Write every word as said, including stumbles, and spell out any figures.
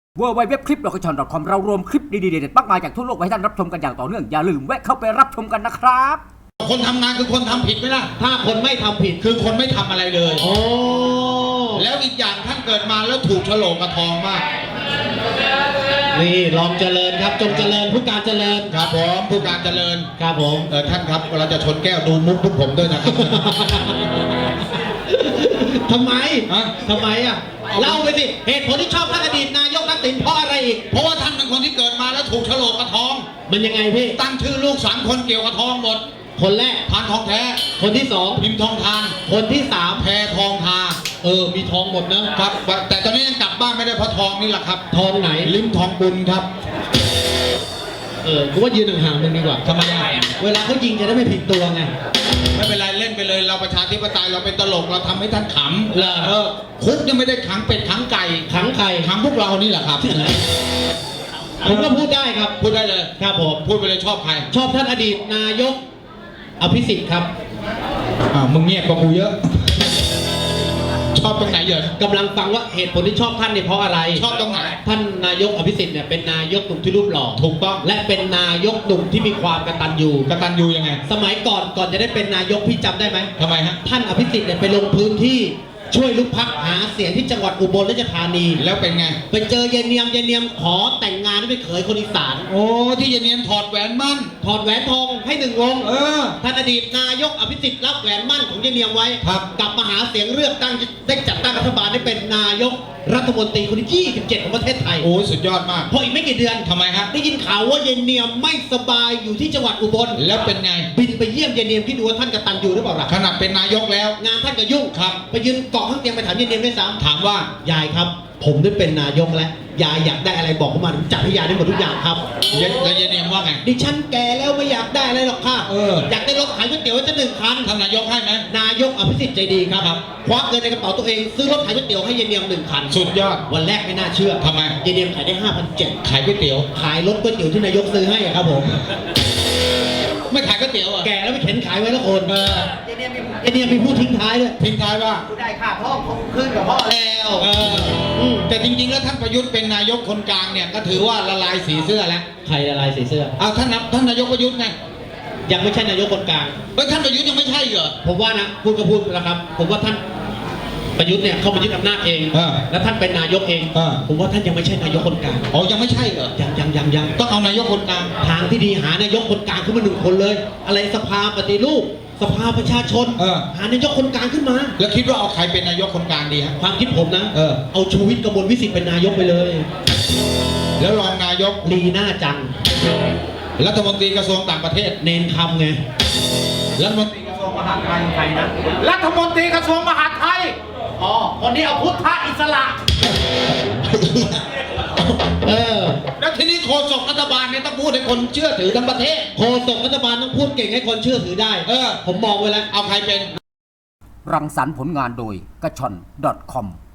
ดับเบิลยู ดับเบิลยู ดับเบิลยู ดอท คลิป ดอท คอม ดอท คอม เรารวมคลิปดีๆเด็ดๆมากมายจากทั่วโลกไว้ให้ท่านรับชมกันอย่างต่อเนื่องอย่าลืมแวะเข้าไปรับชมกันนะครับคนทำงานคือคนทำผิดไหมล่ะถ้าคนไม่ทำผิดคือคนไม่ทำอะไรเลยโอ้แล้วอีกอย่างท่านเกิดมาแล้วถูกโฉลกกระทองมากนี่ลองเจริญครับจงเจริญผู้การเจริญครับผมผู้การเจริญครับผมเออท่านครับเราจะชนแก้วดูมุกพวกผมด้วยนะครับทำไมอะทำไมอ่ะเล่าไปสิเหตุผลที่ชอบท่านอดีตนายกทักษิณเพราะอะไรอีกเพราะว่าท่านเป็นคนที่เกิดมาแล้วถูกโฉลกกระทองมันยังไงพี่ตั้งชื่อลูกสามคนเกี่ยวกับทองหมดคนแรกพานทองแท้คนที่สองพิมพ์ทองทานคนที่สามแพทองทาเออมีทองหมดนะครับแต่ตอนนี้ยังกลับบ้านไม่ได้เพราะทองนี่แหละครับทองไหนลิ้มทองบุญครับเออกูว่ายืนห่างๆมึงดีกว่าทำไมอ่ะเวลาเขายิงจะได้ไม่ผิดตัวไงไม่เป็นไรเล่นไปเลยเราประชาธิปไตยเราเป็นตลกเราทำให้ท่านขำเออคุกยังไม่ได้ขังเป็ดขังไก่ขังไก่ขังพวกเรานี่แหละครับผมก็พูดได้ครับพูดได้เลยครับผมพูดไปเลยชอบใครชอบท่านอดีตนายกอภิสิทธิ์ครับอ่ามึงเงียบกว่ากูเยอะชอบตรงไหนเยอะกำลังฟังว่าเหตุผลที่ชอบท่านเนี่ยเพราะอะไรชอบตรงไหนท่านนายกอภิสิทธิ์เนี่ยเป็นนายกหนุ่มที่รูปหล่อถูกต้องและเป็นนายกหนุ่มที่มีความกตัญญูกตัญญูยังไงสมัยก่อนก่อนจะได้เป็นนายกพี่จำได้ไหมทำไมฮะท่านอภิสิทธิ์เนี่ยไปลงพื้นที่ช่วยลูกพักหาเสียงที่จังหวัดอุบลราชธานีแล้วเป็นไงไปเจอเยนเนียมเยนเนียมขอแต่งงานให้เป็นเขยคนอีสานโอ้ที่เยนเนียมถอดแหวนมั่นถอดแหวนทองให้หนึ่งวงเออท่านอดีตนายกอภิสิทธิ์รับแหวนมั่นของเยนเนียมไว้ครับกลับมาหาเสียงเลือกตั้งได้จัดตั้งรัฐบาลได้เป็นนายกรัฐมนตรีคนที่ยี่สิบเจ็ดของประเทศไทยโอ้สุดยอดมากพออีกไม่กี่เดือนทำไมฮะได้ยินข่าวว่าเยนเนียมไม่สบายอยู่ที่จังหวัดอุบลแล้วเป็นไงบินไปเยี่ยมเยนเนียมที่ดูว่าท่านกตัญญูหรือเปล่าล่ะขนาดเป็นนายกแล้วงานท่านก็ยุ่งครับไปยืนเกาะข้างเตียงไปถามเยนเนียมด้วยซ้ำถามว่ายายครับผมได้เป็นนายกแล้วยายอยากได้อะไรบอกผมมาจัดให้ยายได้หมดทุกอย่างครับแล้วเยนเนียมว่าไงดิฉันแก่แล้วไม่อยากได้อะไรหรอกค่ะเอออยากได้รถขายก๋วยเตี๋ยวจะหนึ่งคันท่านนายกให้ไหมนายกอภิสิทธิ์ใจดีครับควักเงินในกระเป๋าตัวเองซื้อรถขายก๋วยเตี๋ยวให้เยนเนียมหนึ่งคันสุดยอดวันแรกไม่น่าเชื่อทำไมเยนเนียมขายได้ห้าพันเจ็ดขายก๋วยเตี๋ยวขายรถก๋วยเตี๋ยวที่นายกซื้อให้ครับผมไม่ขายก๋วยเตี๋ยวอ่ะแก่แล้วไม่เข็นขายไว้แล้วคนเออเยนเนียมเยนเนียมมีพูดทิ้งท้ายด้วยทิ้งท้ายว่าผู้ได้ค่าพ่อขึ้นกับพ่อแล้วเออแต่จริงๆแล้วท่านประยุทธ์เป็นนายกคนกลางเนี่ยก็ถือว่าละลายสีเสื้อแล้วใครละลายสีเสื้อเอาท่านนับท่านนายกประยุทธ์ไงยังไม่ใช่นายกคนกลางเฮ้ยท่านประยุทธ์ยังไม่ใช่เหรอผมว่านะพูดก็พูดแล้วครับผมว่าท่านประยุทธ์เนี่ยเขามายึดอำนาจเองแล้วท่านเป็นนายกเองผมว่าท่านยังไม่ใช่นายกคนกลางอ๋อยังไม่ใช่เหรอยังยังยังยังต้องเอานายกคนกลางทางที่ดีหานายกคนกลางขึ้นมาหนึ่งคนเลยอะไรสภาปฏิรูปสภาประชาชนหานายกคนกลางขึ้นมาแล้วคิดว่าเอาใครเป็นนายกคนกลางดีฮะความคิดผมนะเออเอาชูวิทย์กมลวิสิทธิ์เป็นนายกไปเลยแล้วรองนายกลีน่าจังรัฐมนตรีกระทรวงต่างประเทศเนนคำไงรัฐมนตรีกระทรวงมหาดไทยใครนะรัฐมนตรีกระทรวงมหาดไทยอ๋อคนนี้เอาพุทธอิสระเออแล้วทีนี้โฆษกรัฐบาลเนี่ยต้องพูดให้คนเชื่อถือทั้งประเทศโฆษกรัฐบาลต้องพูดเก่งให้คนเชื่อถือได้เออผมมองไว้แล้วเอาใครเป็นรังสรรค์ผลงานโดยกระชอน ดอท คอม